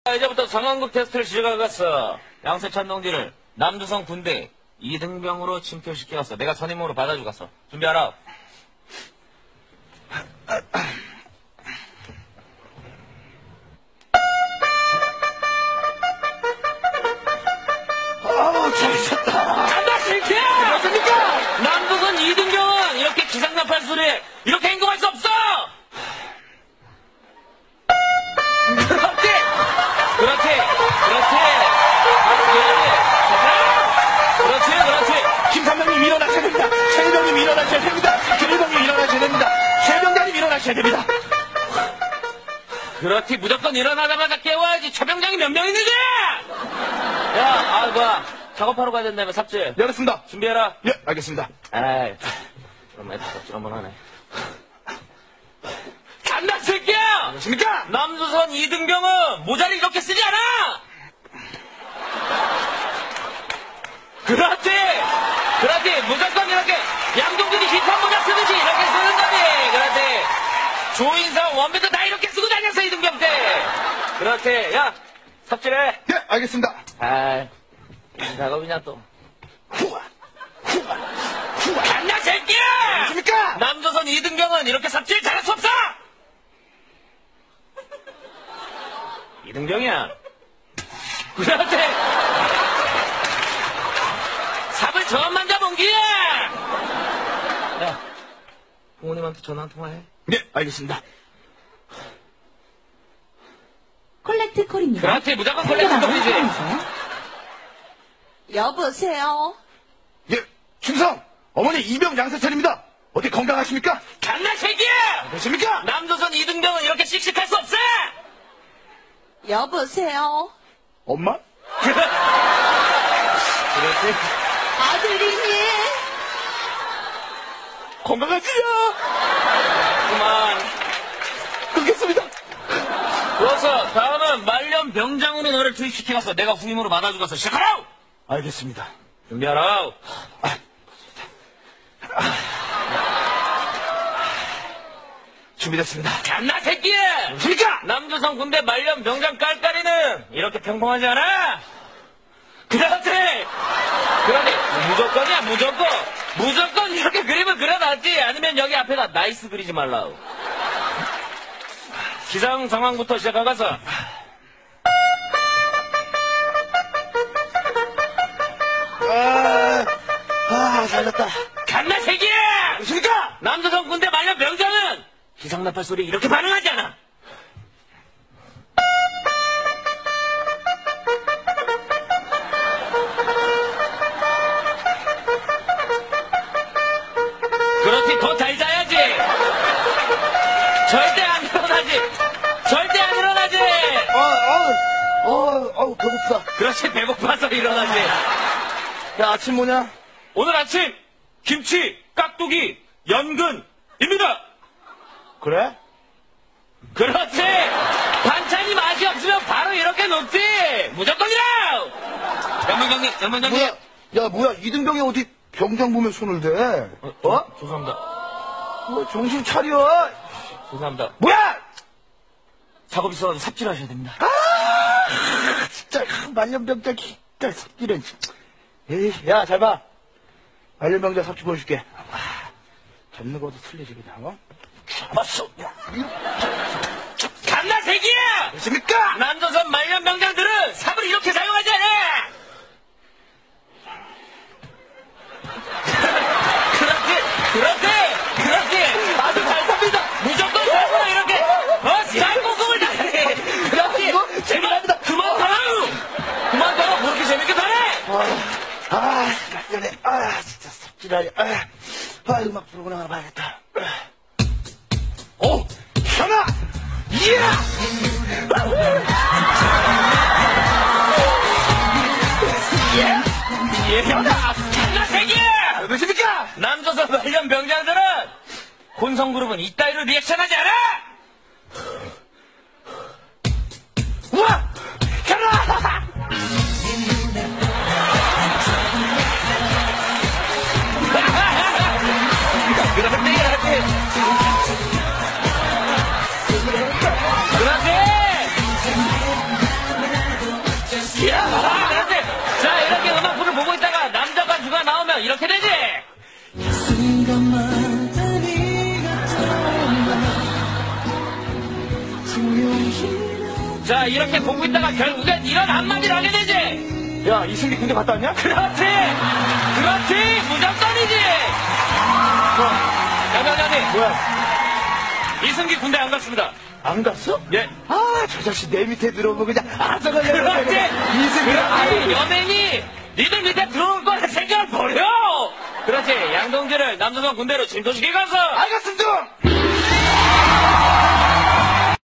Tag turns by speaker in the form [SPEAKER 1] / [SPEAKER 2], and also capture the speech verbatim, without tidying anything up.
[SPEAKER 1] 이제부터 상황극 테스트를 시작하겠어. 양세찬 동지를 남조선 군대 이등병으로 침투시켜갔어. 내가 선임으로 받아주겠어. 준비하라.
[SPEAKER 2] 아우, 잘했다.
[SPEAKER 1] 간다, 실패!
[SPEAKER 2] 맞습니까?
[SPEAKER 1] 남조선 이등병은 이렇게 기상나팔 소리에 이렇게 행동할 수 없어! 그렇지! 그렇지! 그렇지! 그렇지! 그렇지!
[SPEAKER 2] 김삼명님 일어나셔야 됩니다. 최일병님 일어나셔야 됩니다. 김일병님 일어나셔야 됩니다. 최병장님 일어나셔야 됩니다.
[SPEAKER 1] 그렇지, 무조건 일어나자마자 깨워야지. 최병장이 몇 명 있는데! 야, 아, 뭐야. 작업하러 가야 된다며, 삽질.
[SPEAKER 2] 네, 알겠습니다.
[SPEAKER 1] 준비해라.
[SPEAKER 2] 예, 알겠습니다.
[SPEAKER 1] 아이, 그럼 애들 삽질 한번 하네. 간다, 새끼야!
[SPEAKER 2] 안녕하십니까?
[SPEAKER 1] 남조선 이등병은 모자를 이렇게 쓰지 않아! 그렇지! 그렇지! 무조건 이렇게 양동근이 힙합 모자 쓰듯이 이렇게 쓰는 거지! 그렇지! 조인성, 원빈도 다 이렇게 쓰고 다녔어, 이등병 때! 그렇지! 야! 삽질해!
[SPEAKER 2] 예, 알겠습니다.
[SPEAKER 1] 아이, 무슨 작업이냐, 또.
[SPEAKER 2] 후아, 후아, 후아.
[SPEAKER 1] 간다, 새끼야!
[SPEAKER 2] 안녕하십니까?
[SPEAKER 1] 남조선 이등병은 이렇게 삽질 잘할 수 없어! 이등병이야. 그렇지! 삽을 저만 잡은 기야! 야, 부모님한테 전화 한 통화해.
[SPEAKER 2] 네, 알겠습니다.
[SPEAKER 3] 콜렉트 콜입니다.
[SPEAKER 1] 그렇지, 무조건 콜렉트 콜이지.
[SPEAKER 3] 여보세요.
[SPEAKER 2] 예, 충성! 어머니 이병 양세찬입니다. 어디 건강하십니까?
[SPEAKER 1] 장난 새끼야!
[SPEAKER 2] 안녕하십니까?
[SPEAKER 1] 남조선 이등병은 이렇게 씩씩할 수 없어!
[SPEAKER 3] 여보세요.
[SPEAKER 2] 엄마?
[SPEAKER 1] 그렇지.
[SPEAKER 3] 아들이니?
[SPEAKER 2] 건강하시냐?
[SPEAKER 1] 그만.
[SPEAKER 2] 끊겠습니다.
[SPEAKER 1] 좋았어. 다음은 말년 병장으로 너를 투입시켜갔어. 내가 후임으로 받아주겠어. 시작하라!
[SPEAKER 2] 알겠습니다.
[SPEAKER 1] 준비하라.
[SPEAKER 2] 준비됐습니다.
[SPEAKER 1] 장난 새끼야!
[SPEAKER 2] 안녕하십니까?
[SPEAKER 1] 남조선 군대 말년 병장 깔깔이는 이렇게 평범하지 않아? 그렇지! 그렇지! 무조건이야, 무조건! 무조건 이렇게 그림을 그려놨지! 아니면 여기 앞에다 나이스 그리지 말라. 기상 상황부터 시작하가서.
[SPEAKER 2] 아, 아, 잘났다.
[SPEAKER 1] 장난 새끼야!
[SPEAKER 2] 안녕하십니까?
[SPEAKER 1] 남조선 군대 말년 병장은 기상나팔 소리에 이렇게 반응하지 않아! 그렇지, 더 잘 자야지! 절대 안 일어나지! 절대 안 일어나지!
[SPEAKER 2] 아, 아, 어, 아우, 배고프다.
[SPEAKER 1] 그렇지, 배고파서 일어나지!
[SPEAKER 2] 야, 아침 뭐냐?
[SPEAKER 1] 오늘 아침, 김치, 깍두기, 연근입니다!
[SPEAKER 2] 그래?
[SPEAKER 1] 그렇지! 반찬이 맛이 없으면 바로 이렇게 놓지! 무조건이라! 연문장님, 연문장님!
[SPEAKER 2] 뭐야? 야, 뭐야? 이등병이 어디 병장 보면 손을 대? 어? 어?
[SPEAKER 1] 죄송합니다.
[SPEAKER 2] 뭐, 정신 차려!
[SPEAKER 1] 죄송합니다.
[SPEAKER 2] 뭐야!
[SPEAKER 1] 작업 있어가지고 삽질하셔야 됩니다.
[SPEAKER 2] 아, 진짜, 말년병장, 진짜, 삽질은. 에이, 야, 잘 봐. 말년병장 삽질 보여줄게. 아, 잡는 것도 틀리지, 그냥, 어? 잡았어. 야,
[SPEAKER 1] 간다, 새끼야!
[SPEAKER 2] 안녕하십니까?
[SPEAKER 1] 남조선 말년 병장들은 삽을 이렇게 사용하지 않아! 그렇지! 그렇지! 그렇지! 아주 잘 삽니다! 무조건 삽으로 이렇게! 어? 쌀국금을 다해! 그렇지! 제발! 그만 타라요! 그만 타라! 뭐 이렇게 재밌게 타네!
[SPEAKER 2] 아, 아, 말년에, 아, 진짜 삽질하려. 아, 아, 음악 프로그램 하나 봐야겠다. 오! 현아! 예!
[SPEAKER 1] 예! 현아! 장난 새끼야!
[SPEAKER 2] 안녕하십니까?
[SPEAKER 1] 남조선 말년 병장들은 혼성그룹은 이따위로 리액션하지 않아!
[SPEAKER 2] 우와! 현아!
[SPEAKER 1] 그렇지, 그렇지! 그렇지! 이렇게 되지. 자, 이렇게 보고 있다가 결국엔 이런 한마디를 하게 되지.
[SPEAKER 2] 야, 이승기 군대 갔다 왔냐?
[SPEAKER 1] 그렇지! 그렇지! 무조건이지! 양장장님,
[SPEAKER 2] 뭐야?
[SPEAKER 1] 이승기 군대 안 갔습니다.
[SPEAKER 2] 안 갔어?
[SPEAKER 1] 예.
[SPEAKER 2] 아, 저 자식 내 밑에 들어오면 그냥 아서가려고
[SPEAKER 1] 그렇지!
[SPEAKER 2] 이승기
[SPEAKER 1] 그렇지! 연예인이 니들 밑에 들어올 거라 생각을 버려! 그렇지! 양동지를 남조선 군대로 진도시켜 가서!
[SPEAKER 2] 알겠습니다!